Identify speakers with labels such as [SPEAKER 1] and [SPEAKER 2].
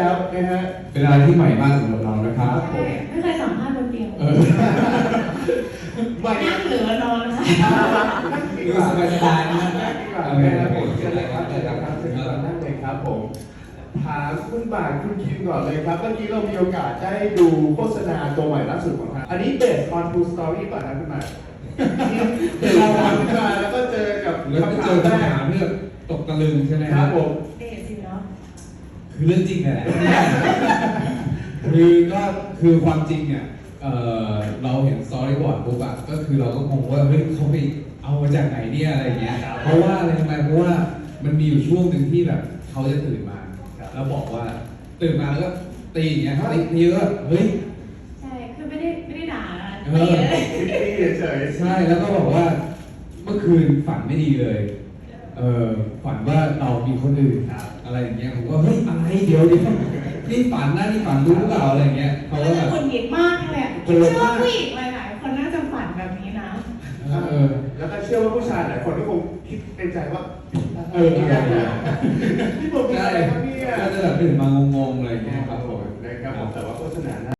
[SPEAKER 1] แล้วนะฮะ
[SPEAKER 2] เป็นอะไรที่ใหม่มากสำหรับเรานะครับผม
[SPEAKER 3] ไม่เคยสัมภาษณ์บนเตียง
[SPEAKER 1] ไม่
[SPEAKER 3] นั่งหรือนอนคะ
[SPEAKER 2] ดูสบายๆนะ
[SPEAKER 1] ดีกว่านะครับผมเชิญเลยครับเชิญครับเชิญครับนั่งเลยครับผมถามคุณบ่ายคุณคิมก่อนเลยครับเมื่อกี้เรามีโอกาสได้ดูโฆษณาตัวใหม่ล่าสุดของทางอันนี้ based on true story ก่อนนะคุณบ่ายเราทำขึ้นมาแล้วก็เจอกับ
[SPEAKER 2] แล้วก็เจอคำถามเรื่องตกตะลึงใช่ไหม
[SPEAKER 1] ครับผม
[SPEAKER 3] เดทสิเนาะ
[SPEAKER 2] คือเรื่องจริงแหละคือก็คือความจริงเนี่ยเราเห็นสตอรี่บอร์ดปุ๊บอะก็คือเราก็งงว่าเฮ้ยเขาไปเอามาจากไหนเนี่ยอะไรเงี้ยเพราะว่าอะไรทำไมเพราะว่ามันมีอยู่ช่วงหนึ่งที่แบบเขาจะตื่นมาแล้วบอกว่าตื่นมาแล้วก็ตีอย่างเงี้ยตีก็เฮ้ย
[SPEAKER 3] ใช่คือไม่ได้ด่านะ
[SPEAKER 2] เออ
[SPEAKER 1] พี่เฉย
[SPEAKER 2] ใช่แล้วก็บอกว่าเมื่อคืนฝันไม่ดีเลยฝันว่าเรามีคนอื่นอะไรอย่างเงี้ยผมก็เฮ้ยอะไรเดี๋ยวนี่ฝันนะนี่ฝันรู้หรือเปล่าอะไรเงี้ยเขา
[SPEAKER 3] แล้ว
[SPEAKER 2] ก็
[SPEAKER 3] จะ
[SPEAKER 2] แบบ
[SPEAKER 3] คนหงิดมากเลยอะเชื่อว่าผู้หญิงหลายๆคนน่าจะฝันแบบนี้นะ
[SPEAKER 1] แล้วก็เชื่อว่าผู้ชายหลายคนก็คงคิดในใจว่า ที่ผมเป็น
[SPEAKER 2] ใช่
[SPEAKER 1] อะไรครับเนี่ย
[SPEAKER 2] ก็จะแบบตื่นมางงๆอะไรอย่างเงี้ย
[SPEAKER 1] ครับผมนะครับผมแต่ว่าโฆษณา